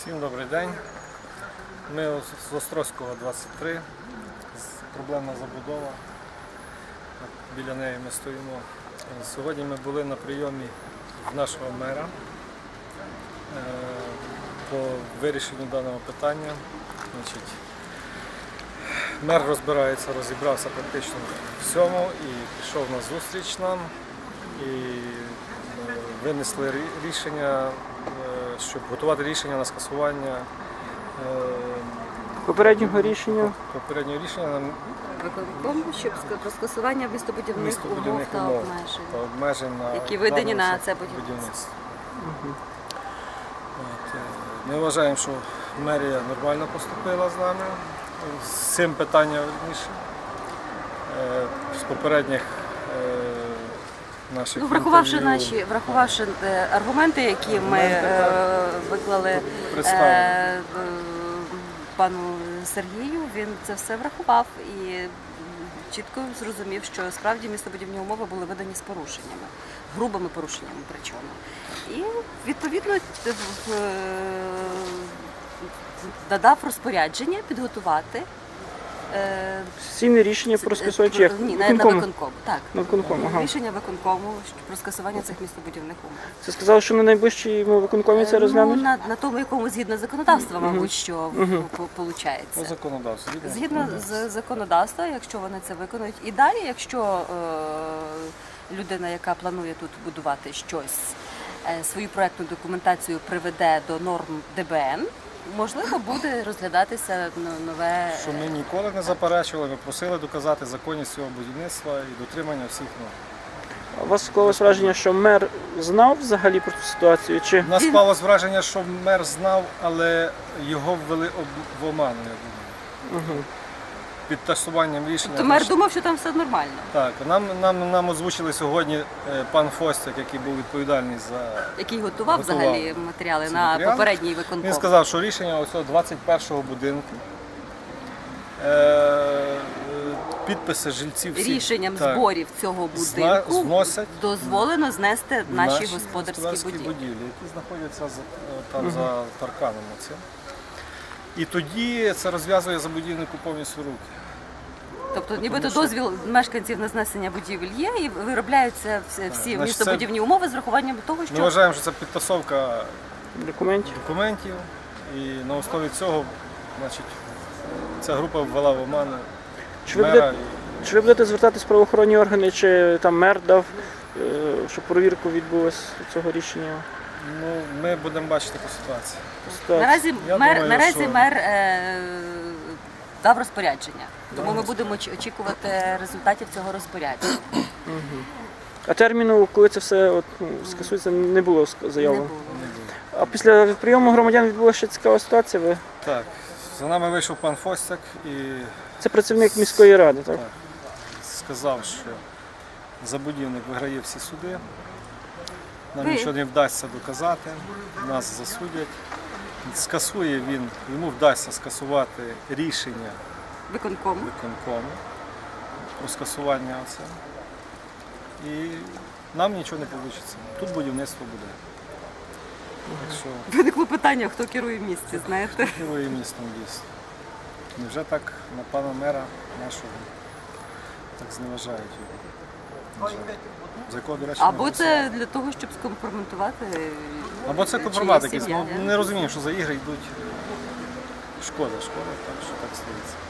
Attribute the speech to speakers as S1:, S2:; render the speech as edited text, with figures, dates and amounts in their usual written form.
S1: Всім добрий день. Ми з Острозького 23, проблемна забудова, біля неї ми стоїмо. Сьогодні ми були на прийомі в нашого мера по вирішенню даного питання. Мер розібрався практично в всьому і пішов на зустріч нам. І винесли рішення, щоб готувати рішення на скасування
S2: попереднього рішення
S3: виконкому, щоб про скасування містобудівних умов та
S1: обмежень,
S3: які видані на це будівництво.
S1: Ми вважаємо, що мерія нормально поступила з нами з цим питанням верніше. З попередніх наших
S3: врахувавши аргументи, які ми виклали пану Сергію, він це все врахував і чітко зрозумів, що справді містобудівні умови були видані з порушеннями, грубими порушеннями причому. І відповідно додав розпорядження підготувати
S2: сесійне рішення про скасування чи як?
S3: Ні, на виконкому. Так.
S2: На виконкому, ага.
S3: Рішення виконкому про скасування цих містобудівних умов.
S2: Це сказали, що на найближчому виконкомі це розглянуть?
S3: На тому, якому згідно законодавства, мабуть, що виходить. Згідно з законодавства, якщо вони це виконують. І далі, якщо людина, яка планує тут будувати щось, свою проектну документацію приведе до норм ДБН, можливо, буде розглядатися нове...
S1: Що ми ніколи не заперечували, ми просили доказати законність цього будівництва і дотримання всіх норм.
S2: А у вас склалось враження, що мер знав взагалі про цю ситуацію? Чи...
S1: У нас склалось враження, що мер знав, але його ввели в оману, я думаю.
S2: Угу.
S1: Під тасуванням рішення.
S3: То мер думав, що там все нормально.
S1: Так, нам озвучили сьогодні пан Фостяк, який був відповідальний за...
S3: Який готував взагалі матеріали на попередній виконком.
S1: Він сказав, що рішення ось 21-го будинку, підписи жильців всіх,
S3: рішенням зборів цього будинку дозволено знести наші господарські будівлі,
S1: які знаходяться там за парканом. І тоді це розв'язує забудівнику повністю руки.
S3: Тобто нібито дозвіл мешканців на знесення будівель є і виробляються всі містобудівні умови з урахуванням того, що...
S1: Ми вважаємо, що це підтасовка
S2: документів.
S1: І на основі цього, значить, ця група ввела в оману
S2: мера. Чи ви будете звертатись в правоохоронні органи, чи там мер дав, щоб перевірку відбулася цього рішення?
S1: Ну, ми будемо бачити по ситуації.
S3: Наразі мер дав розпорядження, тому ми будемо очікувати результатів цього розпорядження.
S2: А терміну, коли це все скасується, не було заявлено?
S3: Не було.
S2: А після прийому громадян відбулася ще цікава ситуація?
S1: Так, за нами вийшов пан Фостяк і...
S2: Це працівник міської ради, так?
S1: Так. Сказав, що забудівник виграє всі суди, нам нічого не вдасться доказати, нас засудять. Скасує він, йому вдасться скасувати рішення виконкому про скасування оце. І нам нічого не вийде. Тут будівництво буде.
S3: Виникло питання, хто керує в місті, знаєте?
S1: Хто керує містом дійсно. Невже так на пана мера нашого так зневажають його? За якого, до речі,
S3: або це для того, щоб скомпрометувати.
S1: Або це компромат якийсь. Не розуміємо, що за ігри йдуть. Шкода, так що так стається.